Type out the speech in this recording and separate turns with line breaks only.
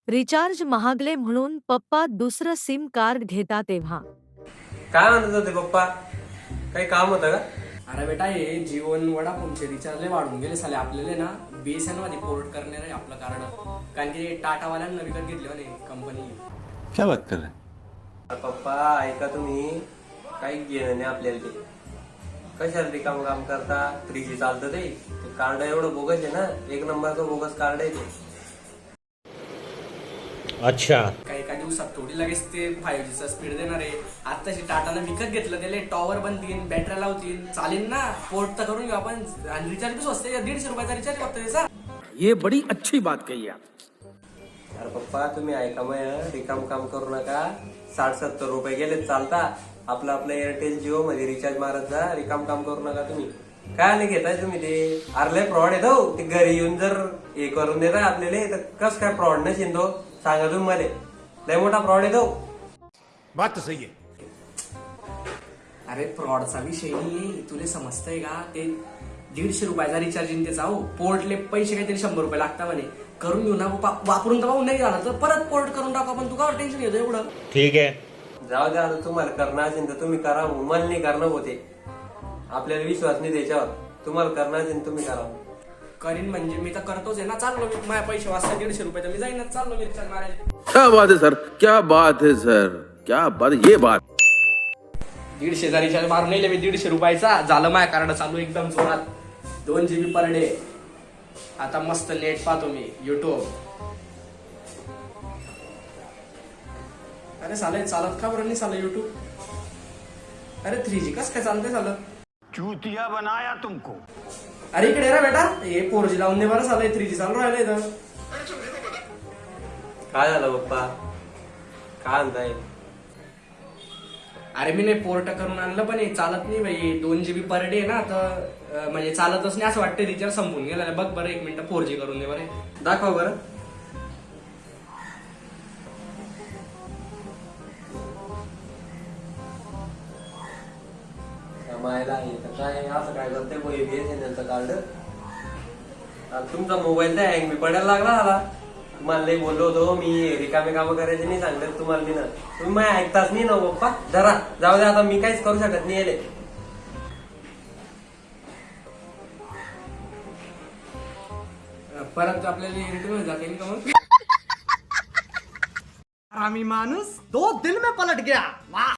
Recharge महागले म्हणून पप्पा दुसरं सिम कार्ड घेता तेव्हा
काय म्हणत होते पप्पा? काही काम होतं का?
अरे बेटा हे जीवन वडाफोनचे रिचार्ज लय वाढून गेले साले. आपल्याला ना BSNL मध्ये पोर्ट करणार आहे आपलं कार्ड, कारण की टाटावाल्यांना विकत घेतले म्हणे कंपनी.
क्या बात कर रहे हैं?
अरे पप्पा ऐका तुम्ही, काही घेणं नाही आपल्याला ते. कशाला रिकाम काम करता? 3G चालतं ते कार्ड एवढं बोगस आहे ना, एक नंबरचं बोगस कार्ड आहे ते.
अच्छा,
काही एका दिवसात थोडी लगेच ते 5G चा स्पीड देणार आहे. आताशी टाटाला विकत घेतलं, त्याला टॉवर बनतील, बॅटऱ्या लावतील, चालेल ना. पोर्ट तर करून घेऊ आपण. आणि रिचार्ज बी स्वस्त आहे, 150 रुपयाचा रिचार्ज फक्त त्याचा.
ये बड़ी अच्छी बात कही आप.
अरे पप्पा तुम्ही ऐका मग, रिकाम काम करू नका. 60-70 रुपये गेले चालता. आपलं एअरटेल जिओ मध्ये रिचार्ज मारत जा, रिकाम काम करू नका तुम्ही. काय नाही घेताय तुम्ही ते? अरे फ्रॉड येतो ते. घरी येऊन जर हे करून देताय आपल्याला तर कस काय फ्रॉड न शिंदो सांगा तुम्ही मला. लय मोठा फ्रॉड येतो.
बात तो सही है.
अरे फ्रॉडचा विषय नाही, तुला समजतंय का? ते 150 रुपयाचा रिचार्ज इन त्याचा हो. पोर्टले पैसे काहीतरी 100 रुपये लागतात म्हणे. करून घेऊ ना, वापरून तर पाहून नाही झालं तर परत पोर्ट करून टाकू आपण. तू का टेन्शन घेतो एवढं?
ठीक है.
जाऊ द्या, आता तुम्हाला करणं असेल तर तुम्ही करा. मला नाही करणं होते. आपल्याला विश्वास नाही त्याच्यावर. तुम्हाला करणं असेल तुम्ही करा.
करीन म्हणजे मी तर करतोच आहे ना. चाललो मी, माझ्या पैसे वाचतात 150 रुपये तर मी जाईनच. चाललो मी रिचार्ज मारायला.
क्या बात है सर, क्या बात है सर, क्या बात है, ये बात.
150चा रिचार्ज मारून नेले मी. 150 रुपयाचा झालं. माझ्या कार्ड चालू एकदम जोरात. 2 GB पर डे. आता मस्त नेट पाहतो मी युट्यूब. अरे साले चालत का बरं नाही सालं युट्यूब? अरे 3G कस काय चालतंय झालं?
चूतिया बनाया तुमको.
अरे इकडे रे बेटा, हे 4G लावून दे बरं. सालं 3G चालू राहिलंय तर.
काय झालं पप्पा? काय म्हणताय?
अरे मी नाही पोर्ट करून आणलं, पण हे चालत नाही भाई. 2 GB पर डे ना, तर म्हणजे चालतच नाही असं वाटतं. रिचार्ज संपून गेला. बघ बरं 1 मिनिट 4G करून दे बरं.
दाखव बरं. मायला काय असं काय करते BSNL कार्ड? तुमचा मोबाईल तर हँग बी पडायला लागला मला. तुम्हाला नाही बोललो होतो मी, रिकामे कामं करायचे नाही सांगत तुम्हाला मी ना. तुम्ही माझ्या ऐकताच नाही ना पप्पा. जरा जाऊ द्या, आता मी काहीच करू शकत नाही याले.
परत आपल्याला इरिटेट जाते का मग?
आरामी मानुस 2 दिन में पलट गया. वाह.